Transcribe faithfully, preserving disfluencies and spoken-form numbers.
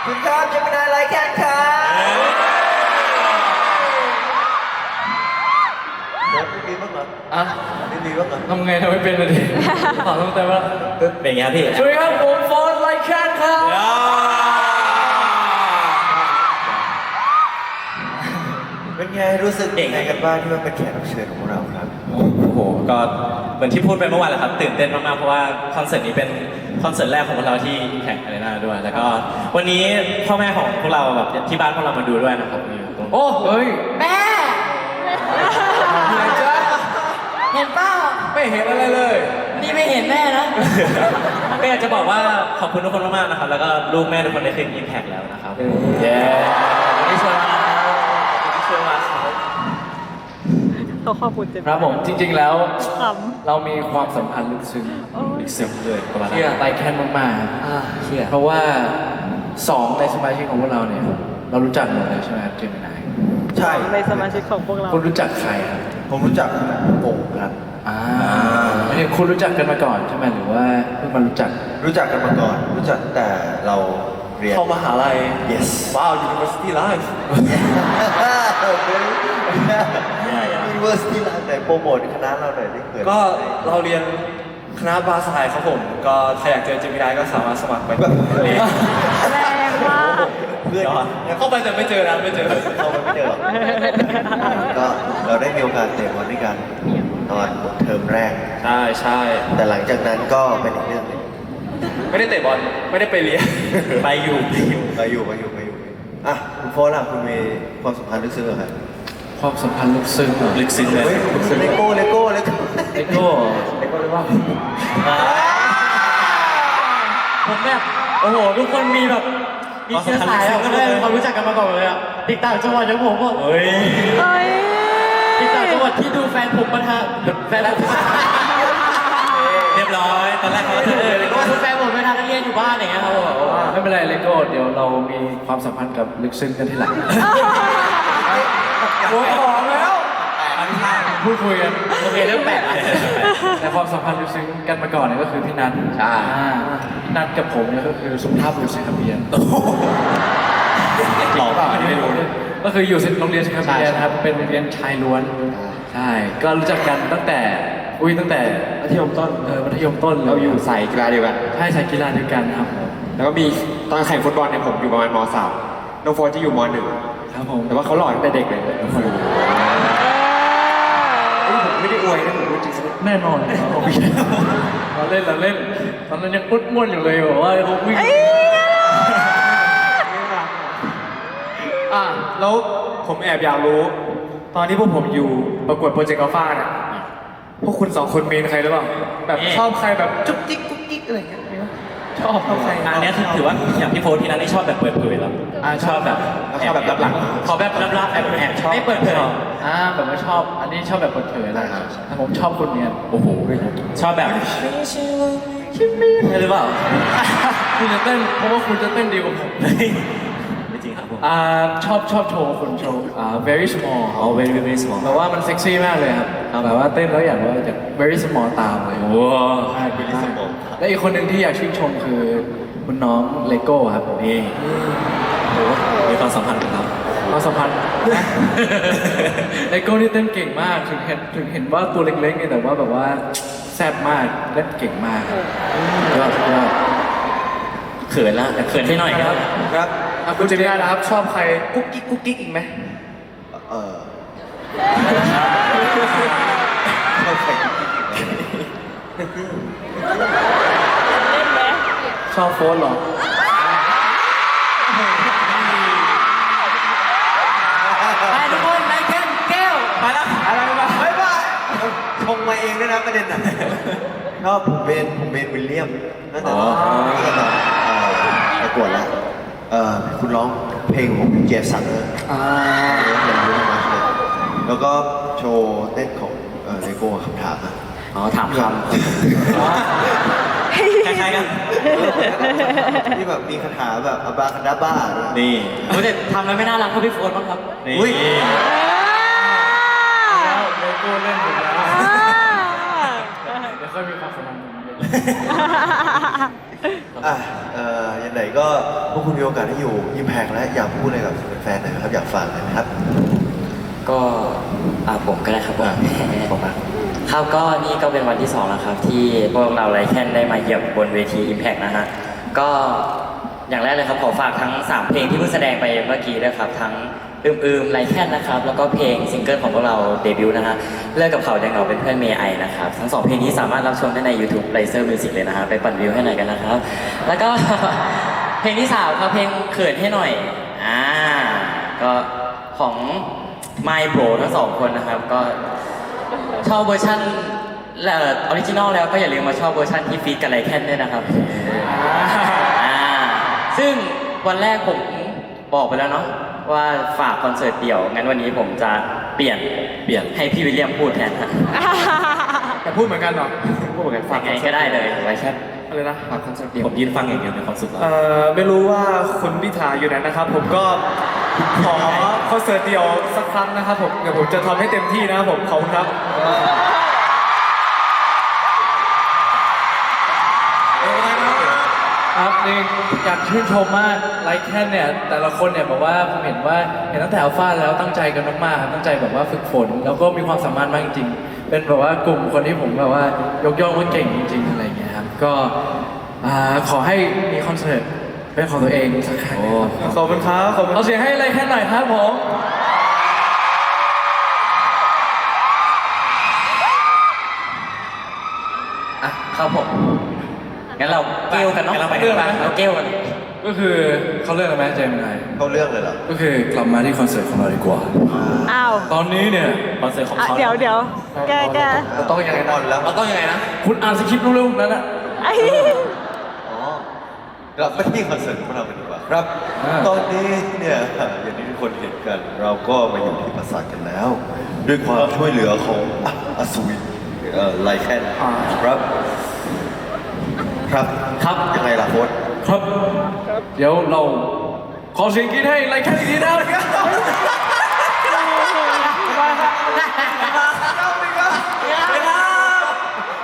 คุณครับจะเป็นอะไรแค่ครับเดี๋ยวไม่มีบ้างเหรออ่ะไม่มีบ้างเหรอทำไงทำไม่เป็นเลยดิขอต้องแต่ว่าเป็นไงพี่สวัสดีครับผมโฟร์ไลแคนครับเป็นไงรู้สึกยังไงกันบ้างที่มาเป็นแขกรับเชิญของเราครับโอ้โหก็เหมือนที่พูดไปเมื่อวานแหละครับตื่นเต้นมากๆเพราะว่าคอนเสิร์ตนี้เป็นคอนเสิร์ตแรกของพวกเราที่แข่งอารีนาด้วยแล้วก็วันนี้พ่อแม่ของพวกเราแบบที่บ้านพวกเรามาดูด้วยนะครับอยู่ตรงโอ้เฮ้ยแม่เหนื่อยจ้ะเห็นเปล่าไม่เห็นอะไรเลยนี่ไม่เห็นแม่นะก็อยากจะบอกว่าขอบคุณทุกคนมากๆนะครับแล้วก็ลูกแม่ทุกคนได้ขึ้นอิมแพคแล้วนะครับเย้วันนี้ชวนมาที่ชวนมาครับเขาขอบคุณเต็มครับผมจริงๆแล้วขเรามีความสัมพันธ์ลึกซึ้งอีกซึ้งเลยประมาณนั้เชื่อน ไลแคนมากอ่าเชื่อๆเพราะว่าสองในสมาชิกของพวกเราเนี่ยเรารู้จักหมดเลยใช่ไหมครับเจมินายใช่ในสมาชิกของพวกเราคุณรู้จักใครครับผมรู้จักโป่งครับอ่าอันนี้คุณรู้จักกันมาก่อนใช่ไหมหรือว่าเพิ่งมารู้จักรู้จักกันมาก่อน รู้จักแต่เราเรียนเข้ามหาลัย yes ว้าว University Life University ร้านไหนโปรโมทคณะเราหน่อยได้เกิดก็เราเรียนคณะบาสไทยครับผม ก็ใครอยากเจอเจมินายก็สามารถสมัครไปเรียนแรงมากเพื่อนเข้าไปแต่ไม่เจอนะไม่เจอเข้าไปไม่เจอหรอกก็เราได้มีโอกาสเตะบอลด้วยกันตอนเทอมแรกใช่ใช่แต่หลังจากนั้นก็เป็นอีกเรื่องหนึงไม่ได้เตะบอลไม่ได้ไปเรียนไปอยู่ไปอยู่ไปอยู่ไปอยู่ไปอยู่อ่ะคุณโฟร์ล่ะคุณมีความสัมพันธ์ลึกซึ้งเหรอครับความสัมพันธ์ลึกซึ้งเหรอลึกซึ้งเลยเฮ้ยเลโก้เลโก้เลโก้เลโก้เลโก้เลยว่าผมแบบโอ้โหทุกคนมีแบบมีเชื้อสายอะก็ได้ความรู้จักกันมาก่อนเลยอะติดต่างจังหวัดอย่างผมก็เฮ้ยเอ้ยติดต่างจังหวัดที่ดูแฟนผมมาทะแฟนผมเรียบร้อยตอนแรกเขาจะเออก็ดูแฟนผมมาทะนักเรียนอยู่บ้านอย่างเงี้ยครับไม่เป็นไรเลโก้เดี๋ยวเรามีความสัมพันธ์กับลึกซึ้งกันที่หลังโอ้ยของแล้วพูดคุยกันโอเคเรื่องแปลกแต่ความสัมพันธ์ลึกซึ้งกันมาก่อนเนี่ยก็คือพี่นัทใช่พี่นัทกับผมเนี่ยก็คือสุภาพบุรุษสิงคโปร์หลอกเปล่าอันนี้ไม่รู้เลยก็คืออยู่โรงเรียนสิงคโปร์นะครับเป็นโรงเรียนชายล้วนใช่ก็รู้จักกันตั้งแต่อุ้ยตั้งแต่มัธยมต้นเออมัธยมต้นเราอยู่สายกีฬาเดียวกันใช่สายกีฬาเดียวกันครับแล้วก็มีตอนแข่งฟุตบอลเนี่ยผมอยู่ประมาณม.สามน้องโฟนที่อยู่ม.หนึ่งครับผมแต่ว่าเขาหล่อตั้งแต่เด็กเลยน้องโฟนผมไม่ได้อวยนะผมพูดจริงแน่นอนเราเล่นเราเล่นตอนนั้นยังปุ๊ดม่วนอยู่เลยบอกว่าเขาวิ่งอ่ะแล้วผมแอบอยากรู้ ตอนที่พวกผมอยู่ประกวดโปรเจกต์อัลฟาเนี่ยพวกคุณสองคนมีใครหรือเปล่าแบบชอบใครแบบจุ๊กจิ๊กกุ๊กกิ๊กอะไรอย่างเงี้ยมีไหมชอบชอบใครอันนี้ถือว่าอย่างพี่โฟร์ที่นั้นได้ชอบแบบเปิดเผยแล้วชอบแบบชอบแบบรับหลังขอแบบรับรับแอบแอบชอบไม่เปิดเผยอ่าแบบว่าชอบอันนี้ชอบแบบเปิดเผยอะไรแต่ผมชอบคนเนี้ยโอ้โหชอบแบบหรือเปล่าคุณจะเต้นเพราะว่าคุณจะเต้นดีกว่าผมไม่จริงครับผมอ่าชอบชอบโชว์คนโชว์อ่า very small อ๋อ very very small แบบว่ามันเซ็กซี่มากเลยครับแบบว่าเต้นแล้วอยากว่าจะ very small ตามเลยโอ้ใช่ very small และอีกคนหนึ่งที่อยากชื่นชมคือคุณน้องเลโก้ครับนี่โอ้มีความสัมพันธ์กับเราความสัมพันธ์ เลโก้นี่เต้นเก่งมากถึงเห็นถึงเห็นว่าตัวเล็กๆนี่แต่ว่าแบบว่าแซ่บมากเล่นเก่งมากครับยอดยอดเขินละแต่เขินให้หน่อยครับครับอ่ะคุณเจมินานะครับชอบใครกุ๊กกิ๊กกุ๊กกิ๊กอีกไหมเออเข้าใจชอบโฟนเหรอ ไปทุกคนไลค์แก้วแก้วไปแล้วอะไรมาไม่ว่าชงมาเองด้วยนะประเด็นน่ะชอบผมเป็นผมเป็นวิลเลียมตั้งแต่ตอนตั้งแต่ตอนเอ่อประกวดแล้วเอ่อคุณร้องเพลงของเจฟสันเนอร์อ่าแล้วก็โชว์เต้นของเลโก้คำถามอ่ะอ๋อถามคำคล้ายๆกันที่แบบมีคาถาแบบอบาคาดาบ้าด้วยนี่โอ้ยแต่ทำแล้วไม่น่ารักเท่าพี่โฟนบ้างครับนี่อุ๊ยแล้วเลโก้เล่นหมดแล้วเดี๋ยวค่อยมีความสัมพันธ์กันอ่ะเอ่อยังไงก็พวกคุณมีโอกาสได้อยู่ยิมแพกและอยากพูดอะไรกับแฟนๆหน่อยนะครับอยากฝากหน่อยนะครับก็อ่าผมก็ได้ครับผมบอกมาครับก็นี่ก็เป็นวันที่สองแล้วครับ ที่พวกเราไรแค่นได้มาเหยียบบนเวที Impact นะฮะก็อย่างแรกเลยครับขอฝากทั้งสามเพลงที่เพิ่งแสดงไปเมื่อกี้ด้วยครับทั้งอืมอืมไรแค่นนะครับแล้วก็เพลงซิงเกิลของพวกเราเดบิวต์นะฮะเลิกกับเขายังเหงาเป็นเพื่อนเมย์ไอนะครับทั้งสองเพลงนี้สามารถรับชมได้ใน YouTube Razer Music เลยนะฮะไปปั่นวิวให้หน่อยกันนะครับ แล้วก็ เพลงที่สามครับเพลงเขินให้หน่อยอ่าก็ของ My Bro ทั้งสองคนนะครับก็ชอบเวอร์ชันเอ่อออริจินอลแล้วก็อย่าลืมมาชอบเวอร์ชันที่ฟีดกับไรแคนด้วยนะครับอ่าซึ่งวันแรกผมบอกไปแล้วเนาะว่าฝากคอนเสิร์ตเดี่ยวงั้นวันนี้ผมจะเปลี่ยนเปลี่ยนให้พี่วิลเลียมพูดแทนฮะแต่พูดเหมือนกันเหรอพูดเหมือนกันฝากยังไงก็ได้เลยไรแคนอะไรนะฝากคอนเสิร์ตเดียวผมยืนฟังอย่างเดียวในความสุขแล้วเอ่อไม่รู้ว่าคุณพิธาอยู่ไหนนะครับ ผมก็ขอคอนเสิร์ตเดียวสักครั้งนะครับผมเดี๋ยวผมจะทำให้เต็มที่นะครับผมขอบคุณครับครับนี่อยากชื่นชมมากไลค์แค่เนี่ยแต่ละคนเนี่ยบอกว่าผมเห็นว่าเห็นตั้งแต่อัลฟาแล้วตั้งใจกันมากๆครับตั้งใจแบบว่าฝึกฝนแล้วก็มีความสามารถมากจริงๆเป็นแบบว่ากลุ่มคนที่ผมแบบว่ายกย่องว่าเก่งจริงๆอะไรอย่างเงี้ยครับก็อ่าขอให้มีคอนเสิร์ตเป็นของตัวเองสักครั้งนะครับขอบคุณครับขอบคุณเอาเสียงให้ไลค์แค่หน่อยครับผมอ่ะครับผมงั้นเราเกลกันเนาะงั้นเราไปเกลกันเราเกลกันก็คือเขาเลือกอะไรไหมเจมส์ไงเข้าเรื่องเลยเหรอก็คือกลับมาที่คอนเสิร์ตของเราดีกว่าอ้าวตอนนี้เนี่ยคอนเสิร์ตของอ่ะเขาเดี๋ยวเดี๋ยวแกแกเราต้องยังไงอ่นะอนแล้วเราต้องยังไงนะคุณอ่านสคริปต์เร็วๆนั่นน่ะไอ้อ๋อเราไม่ที่คอนเสิร์ตของเรากันดีกว่าครับอ่าตอนนี้เนี่ยอย่างที่ทุกคนเห็นกัน เราก็มาอยู่ที่ปราสาทกันแล้ว ด้วยความช่วยเหลือของอ่ะอสูรเอ่อไลแคนครับ ครับครับยังไงล่ะโค้ชครับ เดี๋ยวเราขอเสียงกรี๊ดให้ไลค์แค่นี้นะครับ